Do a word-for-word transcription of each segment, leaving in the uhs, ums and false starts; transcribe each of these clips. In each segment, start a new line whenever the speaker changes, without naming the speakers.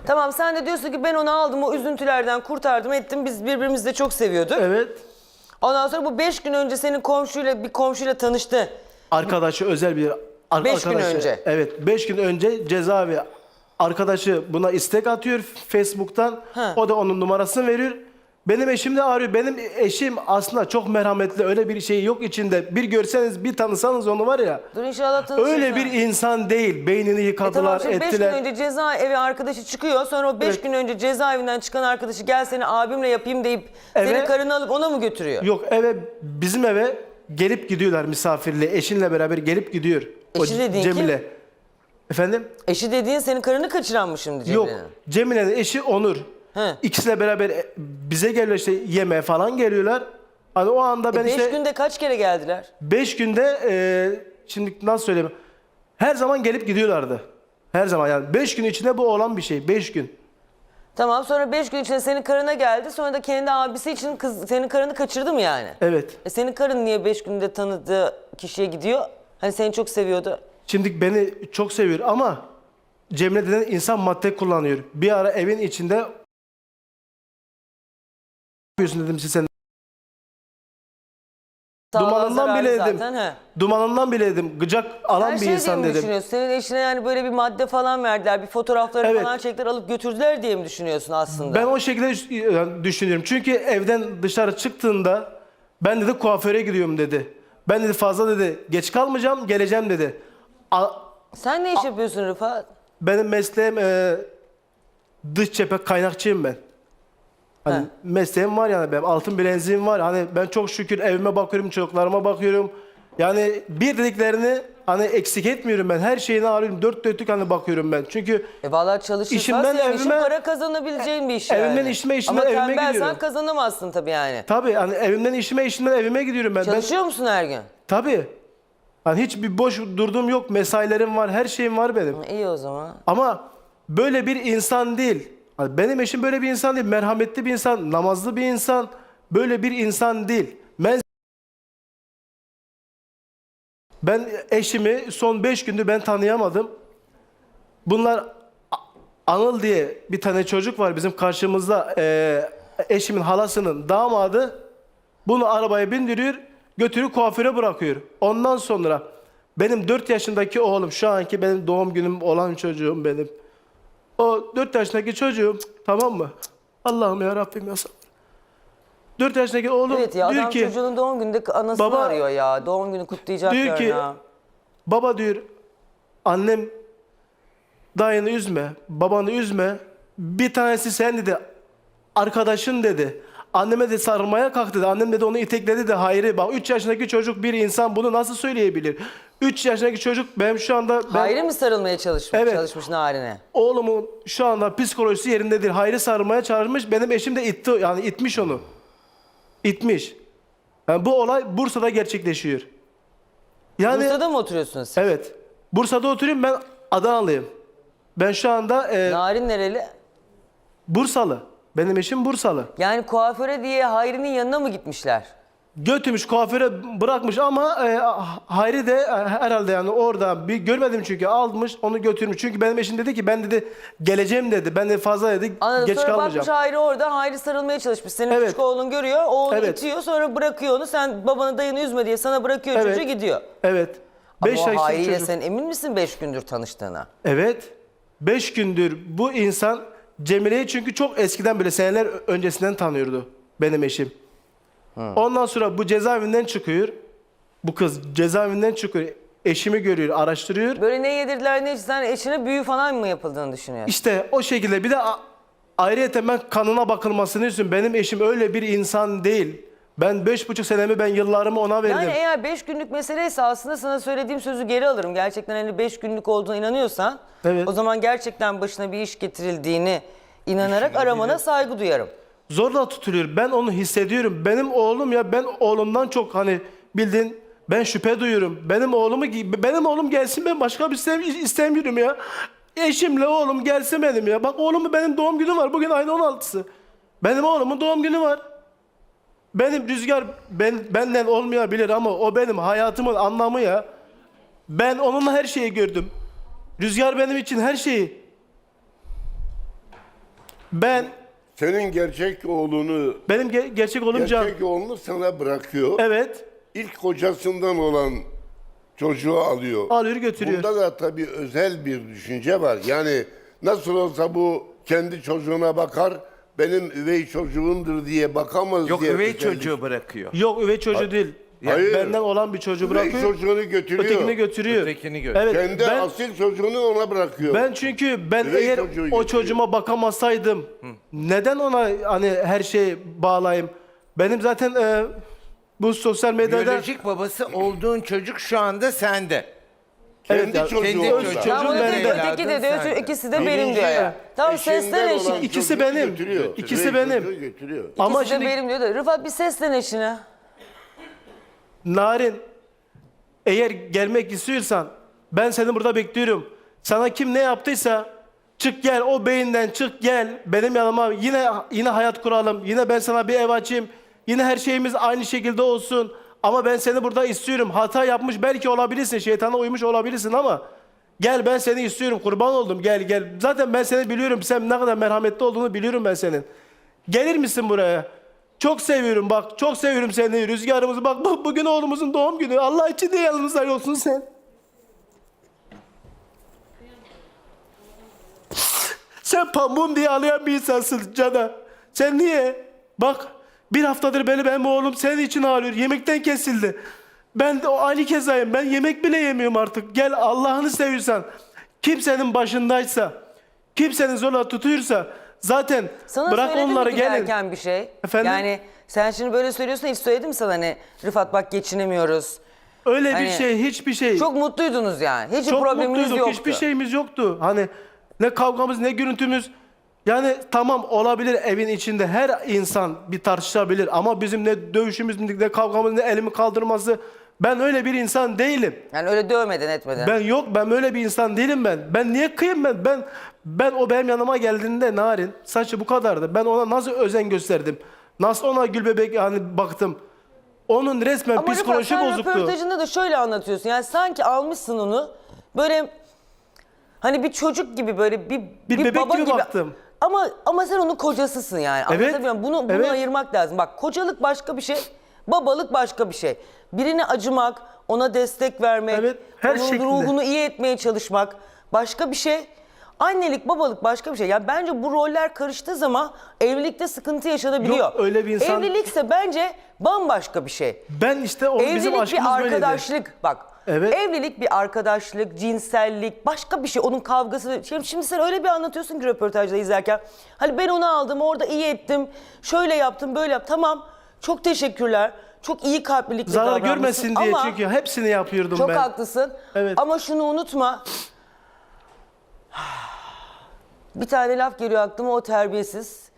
Tamam, sen de diyorsun ki ben onu aldım, o üzüntülerden kurtardım ettim, biz birbirimizi de çok seviyorduk.
Evet.
Ondan sonra bu beş gün önce senin komşuyla bir komşuyla tanıştı.
Arkadaşı özel bir ar
Beş gün
arkadaşı.
önce.
Evet, beş gün önce cezaevi arkadaşı buna istek atıyor Facebook'tan.
Ha.
O da onun numarasını veriyor. Benim eşim de arıyor. Benim eşim aslında çok merhametli, öyle bir şey yok içinde. Bir görseniz, bir tanısanız onu var ya.
Dur inşallah tanışırsın.
Öyle bir insan değil. Beynini
E
yıkadılar,
tamam, şimdi beş gün
ettiler.
önce cezaevi arkadaşı çıkıyor. Sonra o beş
Evet.
gün önce cezaevinden çıkan arkadaşı gel seni abimle yapayım deyip
Eve-
senin karını alıp ona mı götürüyor?
Yok, eve, bizim eve gelip gidiyorlar misafirle. Eşinle beraber gelip gidiyor. O
Eşi dediğin
Cemile.
kim?
Efendim?
Eşi dediğin senin karını kaçıran mı şimdi
Yok.
Cemile'nin?
Cemile'nin eşi Onur.
He.
İkisiyle beraber e, bize geliyor, işte yemeğe falan geliyorlar. Hani o anda ben
E beş
işte
günde kaç kere geldiler?
beş günde e, şimdi nasıl söyleyeyim? Her zaman gelip gidiyorlardı. Her zaman yani. Beş gün içinde bu olan bir şey. Beş gün.
Tamam, sonra beş gün içinde senin karına geldi. Sonra da kendi abisi için kız, senin karını kaçırdı mı yani?
Evet.
E senin karın niye beş günde tanıdığı kişiye gidiyor? Hani seni çok seviyordu.
Şimdi beni çok seviyor ama Cemile denen insan madde kullanıyor. Bir ara evin içinde yapıyorsun dedim size sen.
Sağlığa
Dumanından
zararlı
bile dedim.
zaten, he.
Dumanından bile dedim. Gıcak alan
Her
bir
şey diye
insan
mi
dedim.
düşünüyorsun? Senin eşine yani böyle bir madde falan verdiler, bir fotoğraflarını
Evet.
falan çektiler, alıp götürdüler diye mi düşünüyorsun aslında?
Ben o şekilde düş- düşünüyorum. Çünkü evden dışarı çıktığında ben dedi kuaföre gidiyorum dedi. Ben dedi fazla dedi geç kalmayacağım, geleceğim dedi. A-
Sen ne iş yapıyorsun Rıfat?
benim mesleğim e, dış cephe kaynakçıyım ben. Hani
He.
mesleğim var yani benim, altın bileziğim var. Hani ben çok şükür evime bakıyorum, çocuklarıma bakıyorum. Yani bir dediklerini hani eksik etmiyorum ben. Her şeyini arıyorum. Dört dörtlük hani bakıyorum ben. Çünkü
E vallahi çalışırsan
İşimden
senin işin
evime-
para kazanabileceğin bir iş
evimden
yani.
işime, işimden
Ama
evime
tembelsen
gidiyorum.
kazanamazsın tabii yani.
tabii hani evimden işime, işimden evime gidiyorum ben. ben
Çalışıyor musun her gün?
tabii. Hani hiç bir boş durduğum yok. Mesailerim var, her şeyim var benim.
İyi o zaman.
Ama böyle bir insan değil. Hani benim eşim böyle bir insan değil. Merhametli bir insan, namazlı bir insan. Böyle bir insan değil. Ben ben eşimi son beş gündür ben tanıyamadım. Bunlar A- Anıl diye bir tane çocuk var bizim karşımızda. Ee, eşimin halasının damadı. Bunu arabaya bindiriyor, götürüp kuaföre bırakıyor. Ondan sonra benim dört yaşındaki oğlum, şu anki benim doğum günüm olan çocuğum benim. O dört yaşındaki çocuğum, tamam mı? Allah'ım ya Rabbim ya sabır. dört yaşındaki oğlum
Evet ya,
diyor
adam
ki,
çocuğunun doğum gününde anasını
Baba-
arıyor ya. Doğum günü kutlayacak
diyor ki,
ya.
baba diyor, annem dayını üzme, babanı üzme. Bir tanesi sen dedi, arkadaşın dedi. Anneme de sarılmaya kalk dedi. Annem dedi onu itekledi de hayır. Bak üç yaşındaki çocuk bir insan bunu nasıl söyleyebilir? üç yaşındaki çocuk benim şu anda ben,
Hayri mi sarılmaya çalışmış,
Evet.
çalışmış Narin'e?
oğlumun şu anda psikolojisi yerinde değil. Hayri sarılmaya çağırmış. Benim eşim de itti, yani itmiş onu. İtmiş. Yani bu olay Bursa'da gerçekleşiyor. Yani
Bursa'da mı oturuyorsunuz siz?
evet. Bursa'da oturuyorum, ben Adanalıyım. Ben şu anda e,
Narin nereli?
Bursalı. Benim eşim Bursalı.
Yani kuaföre diye Hayri'nin yanına mı gitmişler?
Götürmüş kuaföre bırakmış ama e, Hayri de e, herhalde yani orada bir görmedim çünkü almış onu götürmüş. Çünkü benim eşim dedi ki ben dedi geleceğim dedi. Ben de fazla dedi
Anladım.
geç
Sonra
kalmayacağım.
bakmış Hayri orada. Hayri sarılmaya çalışmış. Senin
Evet.
küçük oğlun görüyor. O onu
Evet.
itiyor. Sonra bırakıyor onu. Sen babanı dayını üzme diye sana bırakıyor,
Evet.
çocuğu gidiyor.
Evet.
Ama
Beş
o
yaşındaki
Hayri'yle
çocuk.
sen emin misin beş gündür tanıştığına?
Evet. Beş gündür bu insan Cemile'yi çünkü çok eskiden bile seneler öncesinden tanıyordu benim eşim. Ondan sonra bu cezaevinden çıkıyor. Bu kız cezaevinden çıkıyor. Eşimi görüyor, araştırıyor.
Böyle ne yedirdiler ne içtiler, eşine büyü falan mı yapıldığını düşünüyorsun?
İşte o şekilde bir de a- ayrıyeten ben kanına bakılmasını istiyorum. Benim eşim öyle bir insan değil. Ben beş buçuk senemi, ben yıllarımı ona verdim.
Yani eğer beş günlük meseleyse aslında sana söylediğim sözü geri alırım. Gerçekten hani beş günlük olduğuna inanıyorsan
Evet.
o zaman gerçekten başına bir iş getirildiğini inanarak aramana saygı duyarım.
Zorla tutuluyor. Ben onu hissediyorum. Benim oğlum ya, ben oğlumdan çok hani bildiğin ben şüphe duyuyorum. Benim oğlumu benim oğlum gelsin, ben başka bir şey istemiyorum ya. Eşimle oğlum gelsin benim ya. Bak oğlumun benim doğum günü var. Bugün ayın on altısı. Benim oğlumun doğum günü var. Benim Rüzgar ben, benden olmayabilir ama o benim hayatımın anlamı ya. Ben onunla her şeyi gördüm. Rüzgar benim için her şeyi. Ben
Senin gerçek oğlunu,
benim ge- gerçek oğlum Can.
gerçek oğlunu sana bırakıyor.
Evet.
İlk kocasından olan çocuğu alıyor.
Alıyor götürüyor.
Bunda da tabii özel bir düşünce var. Yani nasıl olsa bu kendi çocuğuna bakar, benim üvey çocuğumdur diye bakamaz
Yok
diye.
üvey
özellik-
çocuğu bırakıyor.
Yok üvey çocuğu değil.
Hayır.
Benden olan bir çocuğu
Üvey
bırakıyor.
çocuğunu götürüyor.
Ötekini götürüyor.
Ötekini götürüyor.
Evet.
Kendi
ben,
asil çocuğunu ona bırakıyor.
ben çünkü ben
Üvey
eğer
çocuğu
o
götürüyor.
çocuğuma bakamasaydım neden ona hani her şeyi bağlayayım? Benim zaten e, bu sosyal medyada
Biyolojik babası olduğun çocuk şu anda sende.
evet
kendi
ya,
çocuğu
kendi
orada.
çocuğu.
Tamam,
çocuğum
öteki,
bende.
evladım
öteki de diyor,
sende.
ikisi de
Birinci
benim diyor ya. Tamam
eşinden
seslen
olan
eşine.
İkisi
çocuğu
benim.
götürüyor.
İkisi
Üvey
benim.
çocuğu götürüyor.
Ama
İkisi de
şimdi
benim diyor da. Rıfat bir seslen eşine.
Narin, eğer gelmek istiyorsan ben seni burada bekliyorum. Sana kim ne yaptıysa çık gel, o beyinden çık gel benim yanıma, yine yine hayat kuralım. Yine ben sana bir ev açayım. Yine her şeyimiz aynı şekilde olsun. Ama ben seni burada istiyorum. Hata yapmış belki olabilirsin, şeytana uymuş olabilirsin ama gel, ben seni istiyorum, kurban oldum, gel gel. Zaten ben seni biliyorum, sen ne kadar merhametli olduğunu biliyorum ben senin. Gelir misin buraya? Çok seviyorum bak, çok seviyorum seni, rüzgarımızı. Bak bu, bugün oğlumuzun doğum günü. Allah için de yanımızda olsun sen. Sen pamuğum diye ağlayan bir insansın Cana. Sen niye? Bak bir haftadır beni benim oğlum senin için ağlıyor. Yemekten kesildi. Ben de o aynı kezayım. Ben yemek bile yemiyorum artık. Gel Allah'ını seviyorsan. Kimsenin başındaysa, kimsenin zorla tutuyorsa zaten
Sana
bırak
söyledi
onları
mi
gelin.
giderken bir şey?
Efendim?
Yani sen şimdi böyle söylüyorsun, hiç söyledi mi sana hani Rıfat bak geçinemiyoruz.
Öyle
Hani
bir şey, hiçbir şey.
Çok mutluydunuz yani. Hiç
Çok
probleminiz
mutluyduk.
yoktu.
Hiçbir şeyimiz yoktu. Hani ne kavgamız ne gürültümüz. Yani tamam olabilir, evin içinde her insan bir tartışabilir ama bizim ne dövüşümüz ne kavgamız ne elimi kaldırması, ben öyle bir insan değilim.
Yani öyle dövmeden etmeden.
Ben yok, ben öyle bir insan değilim ben. Ben niye kıyım ben? Ben ben o benim yanıma geldiğinde Narin saçı bu kadardı. Ben ona nasıl özen gösterdim? Nasıl ona gül bebek hani baktım? Onun resmen
Ama Rıfat
psikoloji
sen
bozuktu.
röportajında da şöyle anlatıyorsun. Yani sanki almışsın onu böyle hani bir çocuk gibi böyle bir,
Bir bebek
baba
gibi baktım.
Ama ama sen onun kocasısın yani.
Evet,
Anlatabiliyor muyum? Bunu, bunu
evet.
ayırmak lazım. Bak kocalık başka bir şey, babalık başka bir şey. Birine acımak, ona destek vermek,
Evet, her
onun
şekilde.
ruhunu iyi etmeye çalışmak başka bir şey. Annelik, babalık başka bir şey. Ya bence bu roller karıştığı zaman evlilikte sıkıntı yaşanabiliyor.
Yok, öyle bir insan-
Evlilikse bence bambaşka bir şey.
Ben işte o bizim
Evlilik
aşkımız
bir
böyleydi.
arkadaşlık. Bak.
Evet.
Evlilik bir arkadaşlık, cinsellik, başka bir şey. Onun kavgası. Şimdi, şimdi sen öyle bir anlatıyorsun ki röportajda izlerken. Hani ben onu aldım, orada iyi ettim. Şöyle yaptım, böyle yaptım. Tamam. Çok teşekkürler. Çok iyi kalplilikle
Zarar
davranmışsın.
görmesin diye
Ama
çünkü hepsini yapıyordum
çok
ben.
haklısın.
Evet.
Ama şunu unutma. Bir tane laf geliyor aklıma, o terbiyesiz.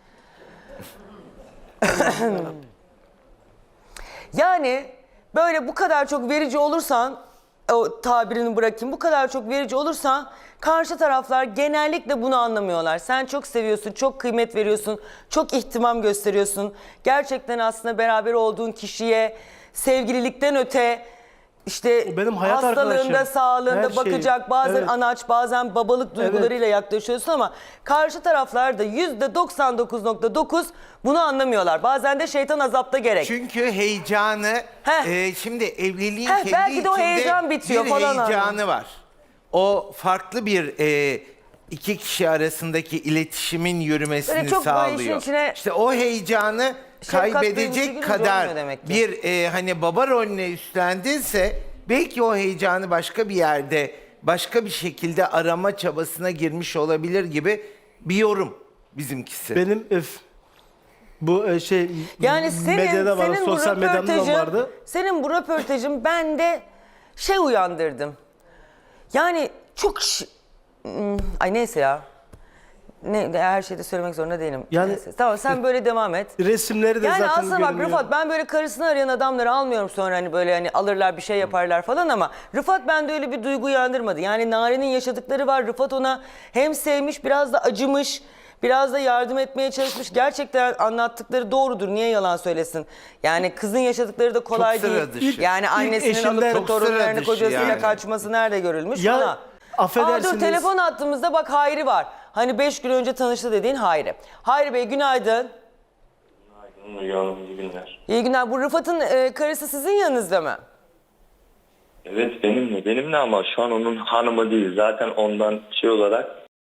Yani böyle bu kadar çok verici olursan, o tabirini bırakayım, bu kadar çok verici olursan karşı taraflar genellikle bunu anlamıyorlar. Sen çok seviyorsun, çok kıymet veriyorsun, çok ihtimam gösteriyorsun. Gerçekten aslında beraber olduğun kişiye sevgililikten öte işte
O benim hayat
hastalığında,
arkadaşım.
sağlığında
Her şey.
bakacak, bazen
Evet.
anaç, bazen babalık duygularıyla yaklaşıyorsun ama karşı taraflar da yüzde doksan dokuz nokta dokuz bunu anlamıyorlar. Bazen de şeytan azapta gerek.
Çünkü heyecanı,
Heh.
e, şimdi evliliğin
Heh,
kendi
belki de o
içinde
heyecan bitiyor
bir
falan
heyecanı var. O farklı bir e, iki kişi arasındaki iletişimin yürümesini
Böyle çok böyle
sağlıyor.
işin içine
İşte o heyecanı
şefkat duygusu
kaybedecek
girince
kadar
olmuyor demek ki.
bir e, hani baba rolüne üstlendinse belki o heyecanı başka bir yerde başka bir şekilde arama çabasına girmiş olabilir gibi bir yorum bizimkisi.
Benim öf, bu e, şey
Yani senin,
medyada var,
senin bu
sosyal medyada da
röportajın,
vardı.
senin bu röportajın bende şey uyandırdım. Yani çok ş- Hmm, ay neyse ya. Ne, her şeyi de söylemek zorunda değilim.
Yani-
Neyse. Tamam sen böyle devam et.
Resimleri de
Yani
zaten
aslında bak
görünüyor.
Rıfat, ben böyle karısını arayan adamları almıyorum sonra hani böyle hani alırlar bir şey yaparlar falan ama Rıfat bende öyle bir duygu uyandırmadı. Yani Nare'nin yaşadıkları var. Rıfat ona hem sevmiş, biraz da acımış, biraz da yardım etmeye çalışmış. Gerçekten anlattıkları doğrudur. Niye yalan söylesin? Yani kızın yaşadıkları da kolay
Çok sıra
değil.
dışı.
Yani
İlk
annesinin
eşinden-
alıp da
Çok
sıra
torunlarını
dışı
kocasıyla
yani.
kaçması nerede görülmüş
Ya,
falan. Aa
affedersiniz.
dur telefon attığımızda bak Hayri var. Hani beş gün önce tanıştı dediğin Hayri. Hayri Bey günaydın.
Müge Hanım, iyi günler.
İyi günler. Bu Rıfat'ın e, karısı sizin yanınızda mı?
Evet benimle, benimle ama şu an onun hanımı değil. Zaten ondan şey olarak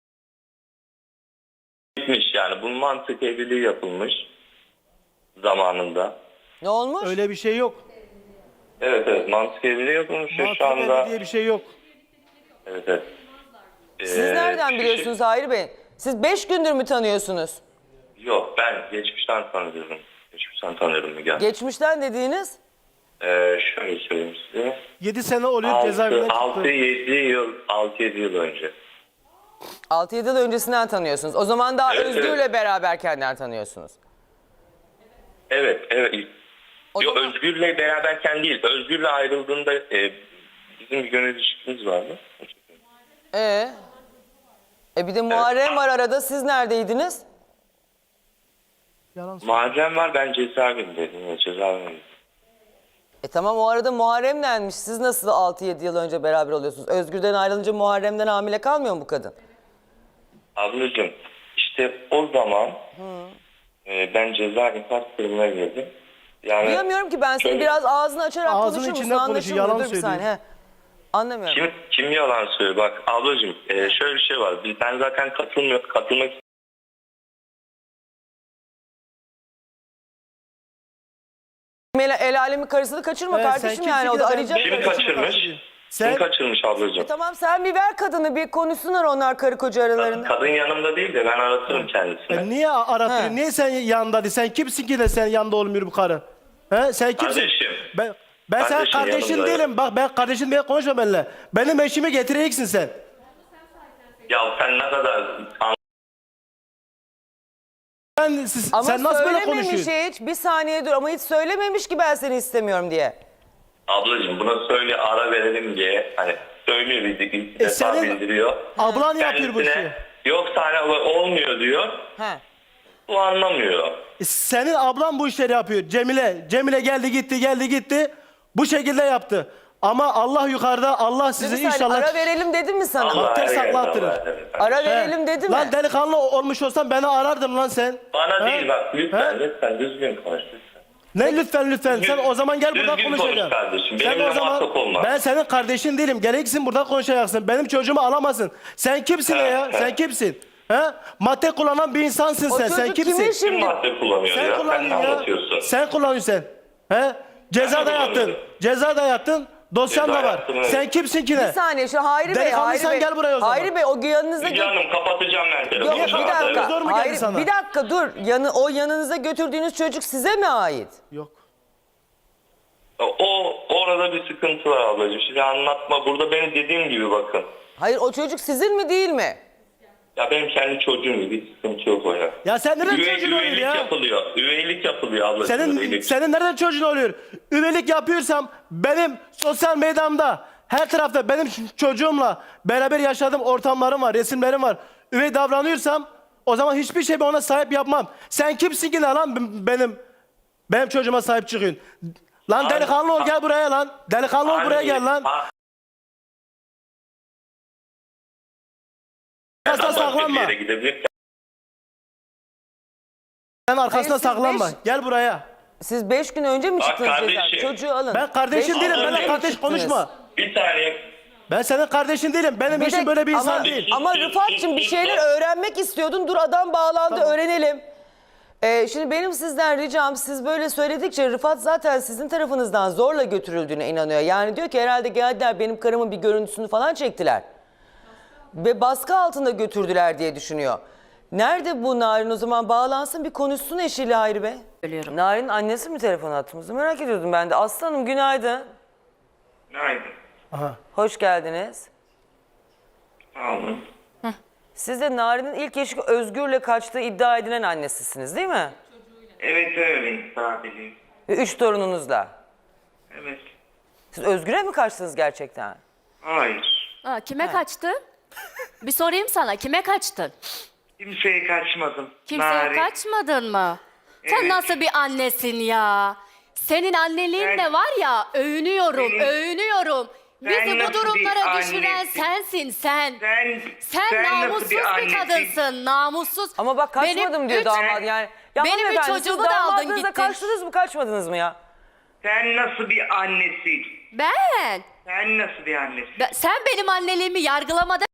gitmiş yani. Bunun mantık evliliği yapılmış zamanında.
Ne olmuş?
Öyle bir şey yok.
Evet evet mantık evliliği yapılmış ve
Mantık
şu anda...
evli diye bir şey yok.
Evet evet.
Siz
Ee,
nereden
şu
biliyorsunuz Hayri Bey? Siz beş gündür mü tanıyorsunuz?
Şey, yok ben geçmişten tanıyorum. Geçmişten tanıyorum Müge Hanım.
Geçmişten dediğiniz?
Ee, şöyle söyleyeyim size.
yedi sene oluyor cezaevinden
altı
çıktı.
yedi yıl, altı yedi yıl önce.
altı yedi yıl öncesinden tanıyorsunuz. O zaman daha
Evet,
Özgür'le
evet.
beraberkenden tanıyorsunuz.
Evet, evet.
O
Yo,
zaman-
Özgür'le beraberken değil. Özgür'le ayrıldığında e, bizim bir gönül ilişkimiz vardı.
Ee? E bir de Muharrem var arada. Siz neredeydiniz?
Yalan söylüyor.
Muharrem var, ben cezaevindeydim. Ya, cezaevindeydim.
E tamam o arada Muharrem denmiş. Siz nasıl altı yedi yıl önce beraber oluyorsunuz? Özgür'den ayrılınca Muharrem'den hamile kalmıyor mu bu kadın?
Ablacığım, işte o zaman e, ben cezaevi kastırmaya girdim. Yani
Duyamıyorum ki ben seni
şöyle-
biraz ağzını açarak
Ağzının
konuşur musun?
içinden konuşuyor,
Anlaşılmıyor.
yalan
Dur bir
söylüyor.
saniye. He. Anlamıyorum.
Kim, kim yalan söylüyor? Bak ablacığım, e, şöyle bir şey var. Biz- Ben zaten katılmıyor, katılmak
El, el alemin karısını kaçırma
Evet, sen
kardeşim
kimsin
yani.
ki
O
de
da
sen-
arayacak.
Kim
Kardeşim
kaçırmış?
kaçırıyor.
Kim
Sen-
kaçırmış ablacığım?
E tamam sen bir ver kadını bir konuşsunlar onlar karı koca aralarında.
Kadın yanımda değil de ben aratırım kendisini.
E niye arattın?
He.
Niye sen yanında değil? Sen kimsin ki de sen yanında olmuyor bu karı? He? Sen kimsin?
Kardeşim.
Ben, ben senin
Kardeşim
kardeşin
yanımda.
değilim. Bak ben kardeşin diye konuşma benimle. Benim eşimi getireceksin sen.
Ya sen ne kadar
Ben, siz,
Ama
sen nasıl böyle
söylememiş
konuşuyorsun?
hiç. Bir saniye dur ama hiç söylememiş ki ben seni istemiyorum diye.
ablacığım buna söyle ara verelim diye hani söylüyor bir, bir
E
defa
senin
bildiriyor.
ablan yapıyor bu işi.
Kendisine yoksa hani olmuyor diyor.
He.
Bu anlamıyor.
E senin ablan bu işleri yapıyor. Cemile. Cemile geldi gitti geldi gitti. Bu şekilde yaptı. Ama Allah yukarıda. Allah
Dur bir
sizi
saniye,
inşallah...
ara verelim dedim mi sana?
Allah
ters
her yerde
saklattırır.
var, evet.
Ara
He.
verelim dedi mi?
Lan delikanlı olmuş olsan beni arardın lan sen.
Bana
He?
değil bak lütfen
He?
lütfen düzgün konuş lütfen.
Ne lütfen lütfen. Sen o zaman gel burada
Düzgün konuş
konuşacaksın.
kardeşim,
Sen
benimle
o zaman
muhatap olma.
ben senin kardeşin değilim. Gereksin burada konuşacaksın. Benim çocuğumu alamazsın. Sen kimsin
He,
ya?
he.
Sen kimsin? He? Madde kullanan bir insansın
O
sen. Sen
çocuk
kimsin?
kimin
Kim
şimdi?
madde kullanıyor
Sen
ya? Sen ne
kullanıyorsun ya.
anlatıyorsun?
Sen kullanıyorsun sen. He? Ceza da
Ben
yattın.
kullanıyorum.
Ceza da yattın. Dosyan
Ceza
da var.
yattım, evet.
Sen kimsin ki
Bir
ne?
saniye şu Hayri Bey.
Delikanlıysan
Hayri Bey.
gel buraya o zaman.
Hayri Bey o yanınıza
Müge
gö-
Hanım kapatacağım ben telefonu.
Yok bir
şu anda,
dakika.
evet.
Zor mu geldi
Hayri,
sana?
bir dakika dur. Yanı, o yanınıza götürdüğünüz çocuk size mi ait?
Yok.
O orada bir sıkıntı var ablacığım. Şimdi anlatma. Burada benim dediğim gibi bakın.
Hayır o çocuk sizin mi değil mi?
Ya benim kendi çocuğum gibi bir sıkıntı yok o ya.
Ya sen nereden
Üvey,
çocuğun oluyor
üveylik
ya?
yapılıyor. Üveylik yapılıyor ablacığım.
Senin
üveylik.
senin nereden çocuğun oluyor? Üvelik yapıyorsam benim sosyal medyamda her tarafta benim ç- çocuğumla beraber yaşadığım ortamlarım var, resimlerim var. Üvey davranıyorsam o zaman hiçbir şey ben ona sahip yapmam. Sen kimsin ki ne lan b- benim benim çocuğuma sahip çıkıyorsun? Lan
Abi-
delikanlı ol gel buraya lan. Delikanlı ol buraya gel lan.
Ha-
Arkasına
Ben başka bir
saklanma.
yere gidebilirim.
Sen arkasına
Hayır, siz
saklanma.
beş-
Gel buraya.
Siz beş gün önce mi
Bak
çıktınız
kardeşim.
cezaevinden? Çocuğu alın.
Ben kardeşin
Beş
değilim.
gün
Benimle
önce
kardeş
çıktınız.
konuşma.
Bir saniye.
Ben senin kardeşin değilim. Benim
Bir
eşim
de-
böyle bir insan
ama,
değil.
Ama Rıfat'cığım bir şeyler öğrenmek istiyordun. Dur adam bağlandı
Tamam.
öğrenelim. Ee, şimdi benim sizden ricam siz böyle söyledikçe Rıfat zaten sizin tarafınızdan zorla götürüldüğüne inanıyor. Yani diyor ki herhalde geldiler benim karımın bir görüntüsünü falan çektiler. Ve baskı altında götürdüler diye düşünüyor. Nerede bu Narin o zaman bağlansın bir konuşsun eşiyle Hayri Bey.
Söylüyorum.
Narin annesi mi telefon attığımızı merak ediyordum ben de. Aslanım günaydın.
Aynen.
Aha.
Hoş geldiniz.
Sağ olun.
Siz de Narin'in ilk eşi Özgür'le kaçtığı iddia edilen annesisiniz değil mi?
Evet öyleyim sadece.
Ve üç torununuzla.
Evet.
Siz Özgür'e mi kaçtınız gerçekten?
Hayır.
Aa, kime kaçtın? Bir sorayım sana, kime kaçtın?
Kimseye kaçmadım.
Kimseye
Narin.
kaçmadın mı? Sen
Evet.
nasıl bir annesin ya? Senin anneliğin
Ben-
de var ya, övünüyorum,
Benim-
övünüyorum. Bizi bu
nasıl bir
durumlara düşüren
annesin?
sensin sen.
Sen,
Sen,
nasıl
namussuz bir,
annesin?
kadınsın, namussuz.
Ama bak kaçmadım
Benim
diyor
üç-
damat yani. Ya
Benim üç
hanımefendi, siz
çocuğumu da aldın
damadınızla
gittin.
kaçtınız mı kaçmadınız mı ya?
Sen nasıl bir annesin?
Ben,
Sen nasıl bir annesin?
ben- sen benim anneliğimi yargılamada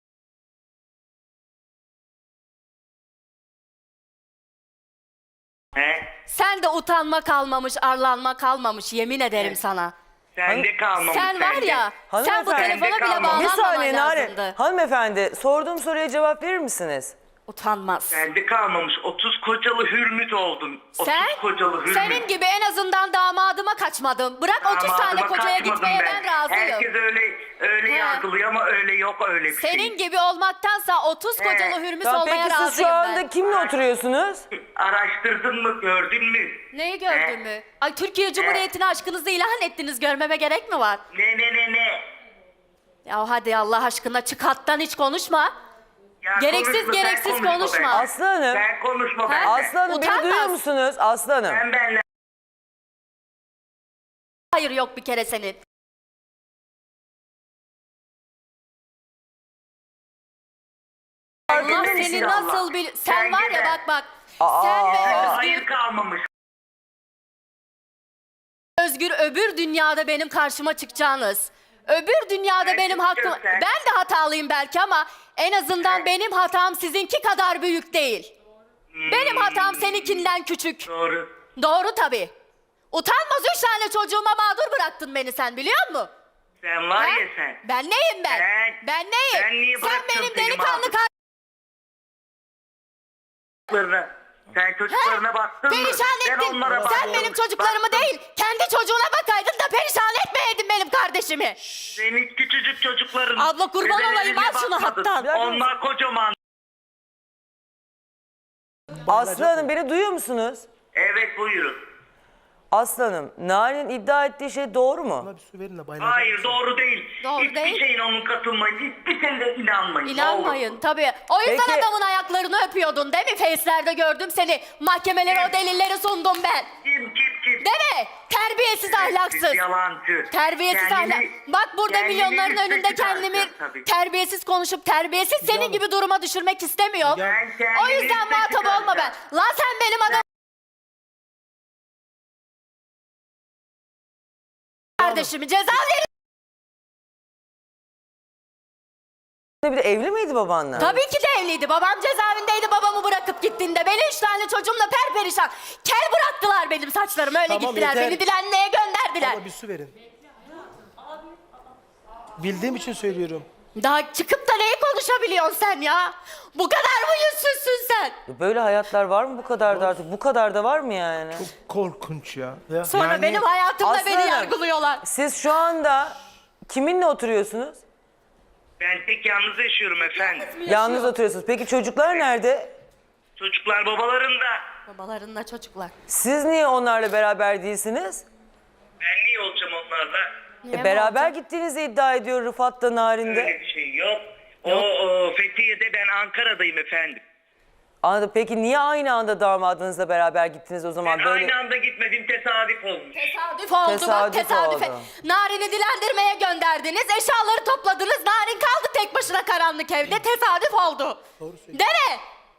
He?
sen de utanma kalmamış, arlanma kalmamış yemin ederim sana.
Sende kalmamış.
Sen var
sende.
ya, sen bu
Hanımefendi-
telefona bile
kalmamış.
Bir
bağlanmaman
saniye Nare.
lazımdı.
Hanımefendi sorduğum soruya cevap verir misiniz?
Utanmaz.
Sende kalmamış. otuz kocalı hürmüt oldun. otuz
Sen,
kocalı hürmüt.
senin gibi en azından damadıma kaçmadım. Bırak otuz tane
Damadıma
kocaya
kaçmadım
gitmeye ben, razıyım.
Herkes öyle öyle
He.
yargılıyor ama öyle yok öyle bir şey.
Senin gibi olmaktansa otuz
He.
kocalı hürmüs
Tamam,
olmaya
peki siz
razıyım
şu anda
ben.
kimle oturuyorsunuz?
Araştırdın mı, gördün mü?
Neyi gördün
He.
mü? Ay Türkiye Cumhuriyeti'ne aşkınızı ilan ettiniz, görmeme gerek mi var?
Ne ne ne ne?
Ya hadi Allah aşkına çık hattan, hiç konuşma.
Ya
Gereksiz
konuşma, sen
gereksiz
konuşma
konuşma.
be.
Aslı Hanım.
Sen konuşma
Ha?
benimle.
Aslı Hanım beni
Utanmaz.
duyuyor musunuz? Aslı Hanım.
Sen benimle.
Hayır yok bir kere senin. Allah
Farkında
seni
mısın
nasıl
Allah?
bil... Sen var ya
Kendine.
bak bak.
Aa,
Sen ve
aa,
Özgür,
Hayır kalmamış.
Özgür öbür dünyada benim karşıma çıkacağınız. Öbür dünyada
Ben
benim hakkım...
çıkacağım sen.
Ben de hatalıyım belki ama en azından
Evet.
benim hatam sizinki kadar büyük değil. Benim hatam seninkinden küçük.
Doğru.
Doğru tabii. Utanmaz üç tane çocuğuma mağdur bıraktın beni sen, biliyor musun?
Sen var
Ha?
ya sen.
Ben neyim ben?
Ben-
ben neyim?
ben niye
sen
bırakacağım
benim
seni
delikanlı
mağdur?
kar...
Çocuklarına. Sen çocuklarına baktın mı?
Perişan
Ben
ettin.
onlara
Sen
baktım.
benim çocuklarımı
Baktım.
değil, kendi çocuğuna bakaydın da perişan etmeyeydin benim kardeşimi.
Senin küçücük çocukların.
Abla kurban
bebelerine
olayım, al şunu
bakmadın.
hattan.
Onlar kocaman.
Aslı Hanım beni duyuyor musunuz?
Evet buyurun.
Aslı Hanım, Narin iddia ettiği şey doğru mu?
Bana bir su verin de bayılacağım.
Hayır doğru değil.
Doğru
Hiçbir
değil.
şeyin onun katılmayın. Hiçbir şeyine inanmayın.
İnanmayın tabii. O yüzden
Peki-
adamın ayaklarını öpüyordun değil mi? Face'lerde gördüm seni. Mahkemelere o delilleri sundum ben.
Kim kim kim?
Değil mi? Terbiyesiz, ahlaksız.
Siz yalancı.
Terbiyesiz
Kendini-
ahlak. Bak burada
kendini
milyonların
üste
önünde kendimi
çıkartıyor tabii.
terbiyesiz konuşup terbiyesiz senin gibi duruma düşürmek istemiyorum.
Ben kendimi
O yüzden
üste
muhatap olma ben.
çıkartacağım.
Lan sen benim adam kardeşimi ceza verin.
Bir de evli miydi babanla?
Tabii ki de evliydi. Babam cezaevindeydi babamı bırakıp gittiğinde. Beni üç tane çocuğumla perperişan. Kel bıraktılar benim saçlarımı, öyle
Tamam,
gittiler.
yeter.
Beni dilenmeye gönderdiler.
Bana bir su verin. Bildiğim için söylüyorum.
Daha çıkıp da neyi konuşabiliyorsun sen ya? Bu kadar mı yüzsüzsün sen?
Böyle hayatlar var mı bu kadar da artık? Bu kadar da var mı yani?
Korkunç ya.
Ya.
Sonra
Yani-
benim hayatımda
Aslı
beni
Hanım,
yargılıyorlar.
Siz şu anda kiminle oturuyorsunuz?
Ben tek yalnız yaşıyorum efendim.
Yalnız oturuyorsunuz. Peki çocuklar nerede?
Çocuklar babalarında.
Babalarınla çocuklar.
Siz niye onlarla beraber değilsiniz?
Ben niye olacağım onlarla?
Niye
E,
mi
beraber
olacak?
gittiğinizi iddia ediyor Rıfat da Narin'de.
Öyle bir şey yok. O, o Fethiye'de, ben Ankara'dayım efendim.
Anladım. Peki niye aynı anda damadınızla beraber gittiniz o zaman?
Ben
Böyle
aynı anda gitmedim, tesadüf olmuş.
Tesadüf oldu
Tesadüf
bak tesadüfe.
oldu.
Narin'i dilendirmeye gönderdiniz. Eşyaları topladınız. Narin kaldı tek başına karanlık evde. Tesadüf oldu. Değil mi?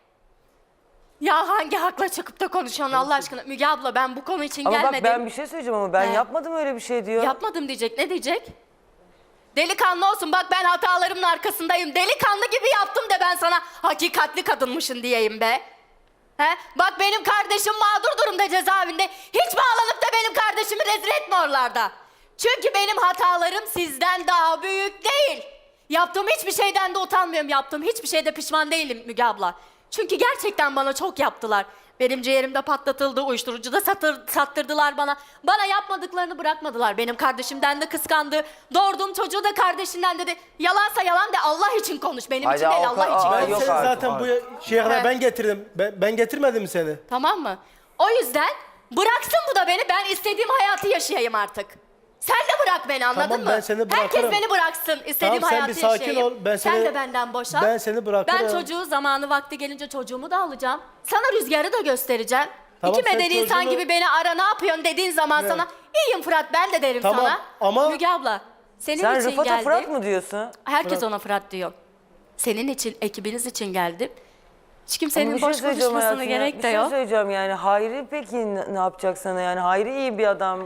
Ya hangi hakla çıkıp da konuşuyorsun Allah aşkına? Müge abla ben bu konu için
ama
gelmedim.
bak ben bir şey söyleyeceğim ama ben
He.
yapmadım öyle bir şey diyor.
Yapmadım diyecek. Ne diyecek? Delikanlı olsun bak, ben hatalarımın arkasındayım. Delikanlı gibi yaptım da ben sana hakikatli kadınmışın diyeyim be. He? Bak benim kardeşim mağdur durumda cezaevinde. Hiç bağlanıp da benim kardeşimi rezil etme oralarda. Çünkü benim hatalarım sizden daha büyük değil. Yaptığım hiçbir şeyden de utanmıyorum. Yaptığım hiçbir şeyde pişman değilim Müge abla. Çünkü gerçekten bana çok yaptılar. Benim ciğerimde patlatıldı, uyuşturucu da satır, sattırdılar bana. Bana yapmadıklarını bırakmadılar. Benim kardeşimden de kıskandı. Doğurduğum çocuğu da kardeşinden dedi. Yalansa yalan de, Allah için konuş. Benim
Hadi
için değil,
o
Allah
kadar-
için
Aa,
Ben
konuş.
yok
seni
artık.
zaten bu şeye kadar
He.
ben getirdim. Ben, ben getirmedim mi seni?
Tamam mı? O yüzden bıraksın bu da beni. Ben istediğim hayatı yaşayayım artık. Sen de bırak beni, anladın
Tamam,
mı?
ben seni
Herkes
bırakırım.
beni bıraksın. İstediğim
Tamam, sen
hayatı
bir sakin
yaşayayım.
ol, ben
Sen
seni-
de benden boşan.
ben seni bırakırım.
Ben çocuğu zamanı vakti gelince çocuğumu da alacağım. Sana Rüzgar'ı da göstereceğim.
Tamam,
İki
sen
medeni insan
çocuğunu-
gibi beni ara, ne yapıyorsun dediğin zaman
Evet.
sana iyiyim Fırat ben de derim
Tamam,
sana.
ama-
Müge abla Senin
Sen
için
Rıfat'a
geldim.
Fırat mı diyorsun?
Herkes ona Fırat diyor. Senin için, ekibiniz için geldim. Hiç kimsenin
Ama bir şey
boş
söyleyeceğim
konuşmasına
hayatım ya.
gerek
Bir
de
şey
yok.
söyleyeceğim yani. Hayri peki ne ne yapacak sana yani? Hayri iyi bir adam.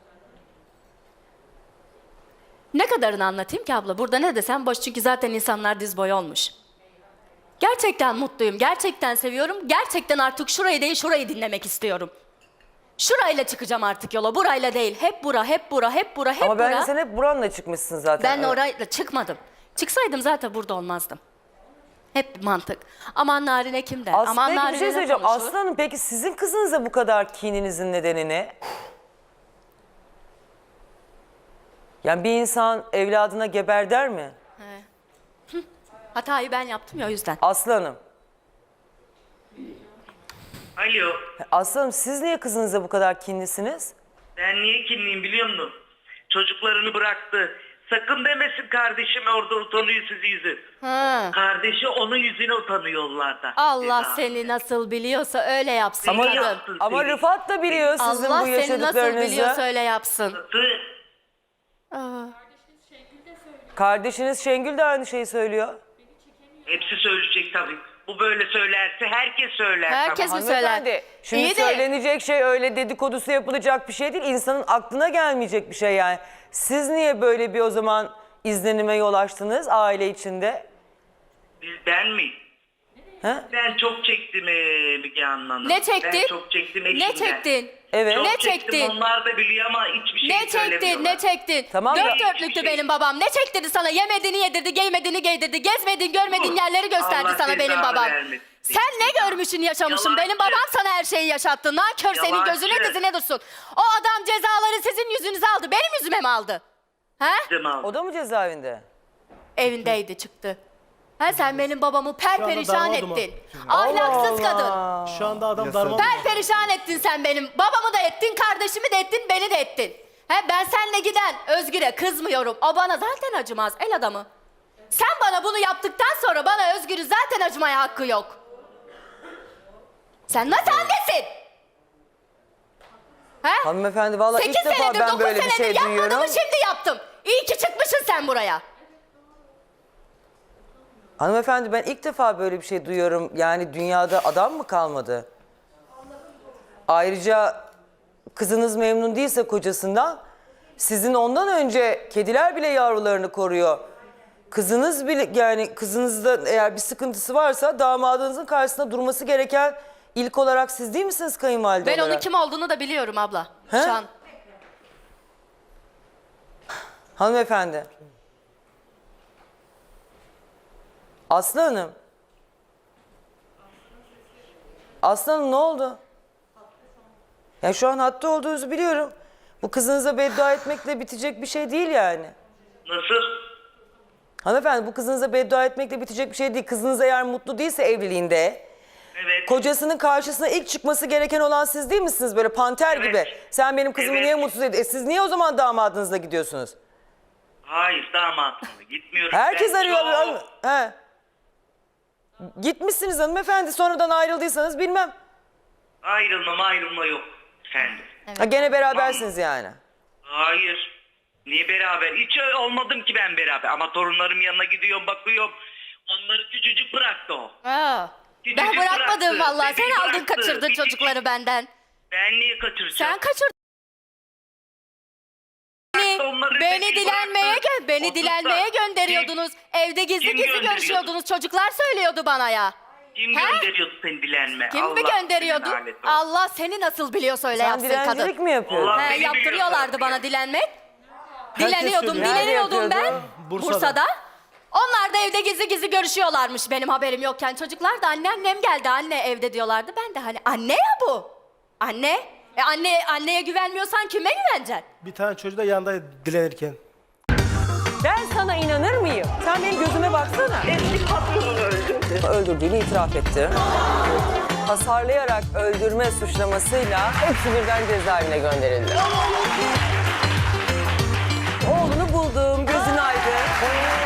Ne kadarını anlatayım ki abla? Burada ne desem boş çünkü zaten insanlar diz boyu olmuş. Gerçekten mutluyum, gerçekten seviyorum. Gerçekten artık şurayı değil şurayı dinlemek istiyorum. Şurayla çıkacağım artık yola, burayla değil. Hep bura, hep bura, hep bura, hep
Ama
bura.
bence sen hep buranla çıkmışsın zaten.
Ben
Evet.
orayla çıkmadım. Çıksaydım zaten burada olmazdım. Hep mantık. Aman Narine kim der?
As-
Aman
peki bir
Narine
şey
ne
söyleyeceğim.
konuşur?
Aslanım peki sizin kızınıza bu kadar kininizin nedeni ne? Yani bir insan evladına geber der mi?
Hatayı ben yaptım ya o yüzden.
Aslanım.
Alo.
Aslanım siz niye kızınıza bu kadar kinlisiniz?
Ben niye kinliyim biliyor musun? Çocuklarını bıraktı. Sakın demesin kardeşim orada utanıyor sizi yüzü.
Ha.
Kardeşi onun yüzüne utanıyor yollarda.
Allah
Ceza.
seni nasıl biliyorsa öyle yapsın.
Ama,
Seni
kadın.
yapsın
ama
seni.
Rıfat da biliyor sizin
Allah
bu
seni nasıl
yaşadıklarınızı.
biliyorsa öyle yapsın.
Tı-
Aa.
Kardeşiniz Şengül de aynı şeyi söylüyor.
Hepsi söyleyecek tabii. Bu böyle söylerse herkes söyler.
Herkes
tamam.
mi söyler?
Hanımefendi, şimdi
İyi de-
söylenecek şey öyle dedikodusu yapılacak bir şey değil. İnsanın aklına gelmeyecek bir şey yani. Siz niye böyle bir o zaman izlenime yol açtınız aile içinde?
Biz- Ben mi?
He?
Ben çok çektim ee, Müge Hanım.
Ne çektin?
Ben çok çektim eşimden.
Ne çektin?
Evet.
Çok
Ne
çektim,
çektin?
onlar da biliyor ama hiçbir şey
Ne çektin?
söylemiyorlar.
Ne çektin?
Tamam
Dört
ya.
dörtlüktü
Hiçbir şey.
benim babam. Ne çektirdi sana? Yemediğini yedirdi, giymediğini giydirdi. Gezmediğin, görmediğin
Dur.
yerleri gösterdi
Allah
sana benim
cezanı
babam.
vermesin.
Sen ne görmüşsün, yaşamışsın?
Yalancı.
Benim babam sana her şeyi yaşattı. Nankör senin
Yalancı.
gözüne dizine dursun. O adam cezaları sizin yüzünüze aldı. Benim yüzüme mi aldı? He?
Cemal.
O da mı cezaevinde?
Evindeydi çıktı. Ha sen benim babamı perperişan
damadım o.
ettin. Ahlaksız kadın.
Şu anda adam darma
Perperişan ettin sen benim. Babamı da ettin, kardeşimi de ettin, beni de ettin. He ben seninle giden Özgür'e kızmıyorum. O bana zaten acımaz, el adamı. Sen bana bunu yaptıktan sonra bana Özgür'ün zaten acımaya hakkı yok. Sen nasıl annesin? He?
Hanımefendi vallahi ilk
Sekiz
defa
senedir,
ben
dokuz
böyle bir
senedir
şey
yapmadığımı
duyuyorum.
şimdi yaptım. İyi ki çıkmışsın sen buraya.
Hanımefendi ben ilk defa böyle bir şey duyuyorum. Yani dünyada adam mı kalmadı? Ayrıca kızınız memnun değilse kocasından, sizin ondan önce kediler bile yavrularını koruyor. Kızınız bile yani kızınızda eğer bir sıkıntısı varsa damadınızın karşısında durması gereken ilk olarak siz değil misiniz kayınvalide
Ben
olarak?
onun kim olduğunu da biliyorum abla.
He?
Şu an.
Hanımefendi. Aslı Hanım. Aslı Hanım ne oldu? Ya şu an hatta olduğunuzu biliyorum. Bu kızınıza beddua etmekle bitecek bir şey değil yani.
Nasıl?
Hanımefendi bu kızınıza beddua etmekle bitecek bir şey değil. Kızınız eğer mutlu değilse evliliğinde,
Evet.
kocasının karşısına ilk çıkması gereken olan siz değil misiniz? Böyle panter
Evet.
gibi. Sen benim kızımı
Evet.
niye mutsuz ediyorsun? E siz niye o zaman damadınızla gidiyorsunuz?
Hayır damatımla gitmiyorum.
Herkes
Ben
arıyor.
çok-
Hanım- He. Gitmişsiniz hanımefendi. Sonradan ayrıldıysanız bilmem.
Ayrılma ayrılma yok efendim.
Ha, gene berabersiniz yani.
Hayır. Niye beraber? Hiç olmadım ki ben beraber. Ama torunlarım yanına gidiyorum bakıyorum. Onları küçücük bıraktı o.
Ha.
Küçücük
Ben bırakmadım
bıraktı,
vallahi. Sen
bebeği
aldın
bıraktı.
kaçırdın
Küçücük.
çocukları benden.
Ben niye kaçıracağım?
Sen kaçırdın. Beni,
Onları
beni
bebeği
dilenmeye
bıraktı.
gö beni
Otuz
dilenmeye
da-
gönderiyordunuz. Evde gizli
kim
gizli
gönderiyordu?
görüşüyordunuz. Çocuklar söylüyordu bana ya.
Kim
He?
gönderiyordu seni dilenme?
Kim mi
Allah
gönderiyordu?
seni lanet olsun.
Allah seni nasıl biliyorsa öyle
Sen
yapsın
dilencilik
kadın.
mi yapıyordun?
Allah-
He,
Beni
yaptırıyorlardı
biliyorsun.
bana dilenmek. Dileniyordum,
söylüyor.
dileniyordum
Nerede
ben.
yapıyordu?
Bursa'da.
Bursa'da. Onlar da evde gizli gizli görüşüyorlarmış benim haberim yokken. Çocuklar da anne annem geldi anne evde diyorlardı. Ben de hani anne ya bu. Anne. E anne anneye güvenmiyorsan kime güveneceksin?
Bir tane çocuğu da yanında dilenirken.
Ben sana inanır mıyım? Sen benim gözüme baksana.
Eski patronunu öldürdü.
Öldürdüğünü itiraf etti. Hasarlayarak öldürme suçlamasıyla hepsi birden cezaevine gönderildi. Oğlunu buldum, gözün aydın.